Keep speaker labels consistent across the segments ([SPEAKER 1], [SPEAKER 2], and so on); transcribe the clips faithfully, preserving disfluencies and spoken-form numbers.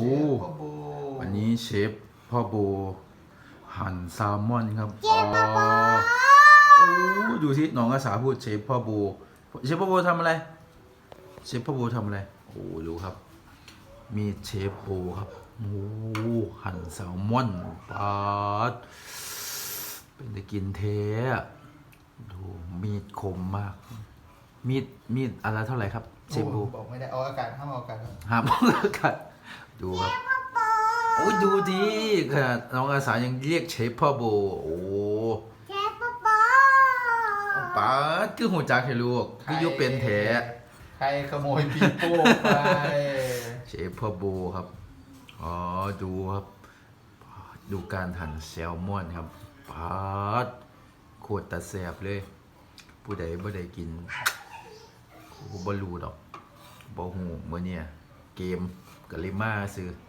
[SPEAKER 1] พ่อโบ
[SPEAKER 2] วันนี้เชฟพ่อโบหั่นแซลมอนครับอ๋อโอ้ดูสิน้องอาสาพูดเชฟพ่อโบเชฟพ่อโบทำอะไรเชฟพ่อโบทำอะไรโอ้ดูครับมีเชฟโบครับโอ้หั่นแซลมอนปาดเป็นตะกินเทะดูมีดคมมากมีดมีดอะไรเท่าไหร่ครับเชฟโบ
[SPEAKER 1] บอกไม่ได้เอาอากาศห้ามเอาอากาศ
[SPEAKER 2] ห้ามเอาอากาศดูครับโอ้ยดูดีขนาดน้องอาสายังเรียกเชฟพ่อโบโอ้
[SPEAKER 3] เชฟพ่อโบ
[SPEAKER 2] ป้าคือหัวจักให้ลูกคือยุเป็นแถ
[SPEAKER 1] ใครขโมยปีโป้ไป
[SPEAKER 2] เชฟพ่อโบครับอ๋อดูครับดูการหั่นแซลมอนครับป้าโคตรตาแสบเลยผู้ใดบ่ได้กินกูบ่รู้ดอกบ่ฮู้มื้อเนี่ยเกมกะเลยมาซื้อ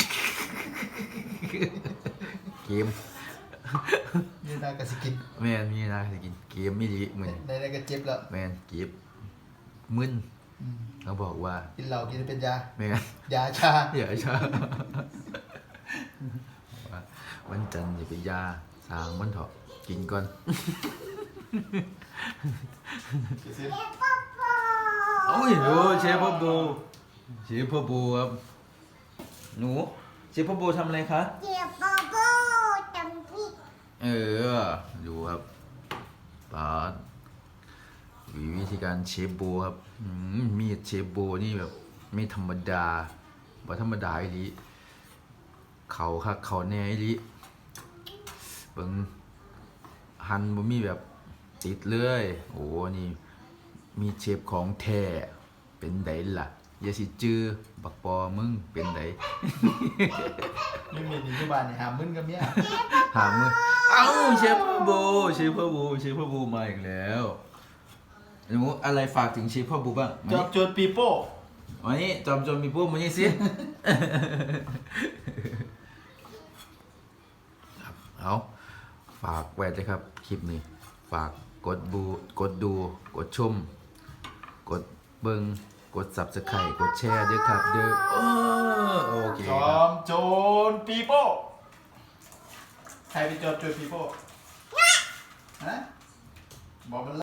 [SPEAKER 2] เกม
[SPEAKER 1] นี่น่ากระสิกิน
[SPEAKER 2] แม่นมีนะสิกินเกมไม่ดีมื้อนี้
[SPEAKER 1] ได้ได้ก็เจ็บแล้ว
[SPEAKER 2] แม่นเก็บมึนเขาบอกว่า
[SPEAKER 1] กินเหล้ากินเป็นยา
[SPEAKER 2] แม่น
[SPEAKER 1] ยาชาย
[SPEAKER 2] าชาวันจันทร์อย่าไปยาสางมันเถอะกินก่อนโอ้ยโอ้เชฟพ่อโบเชฟพ่อโบครับหนูเชฟพ่อโบทำอะไรคะ
[SPEAKER 3] เชฟพ่อโบทำพริก
[SPEAKER 2] เออดูครับปาดวิธีการเชฟโบครับมีดเชฟโบนี่แบบไม่ธรรมดาบ่ธรรมดาอีหลีเขาคักเขาแน่อีหลีเบิ่งหั่นบ่มีแบบติดเลยโอ้นี่มีเชฟของแท้เป็นไดล่ะอย่าสิจื้อบักปอมึงเป็นได
[SPEAKER 1] นี่มีนิยบานนี่หามึนกับเมีย
[SPEAKER 2] หามึงเอ้าเชฟพ่อโบเชฟพ่อโบเชฟพ่อโบมาอีกแล้วหนูอะไรฝากถึงเชฟพ่อโบบ้าง
[SPEAKER 1] จอบโจรปีโป้
[SPEAKER 2] วันนี้จอมโจรปีโป้มานี่สิเอาฝากไว้เลยครับคลิปนี้ฝากกดบูกดดูกดชมกดเบิ้งกด ซับสไครบ์ กดแชร์ด้วยครับเด้อโอเค
[SPEAKER 1] จอมโจรปีโป้ใครเป็นจอมโจรปีโป้ฮะบอกมัน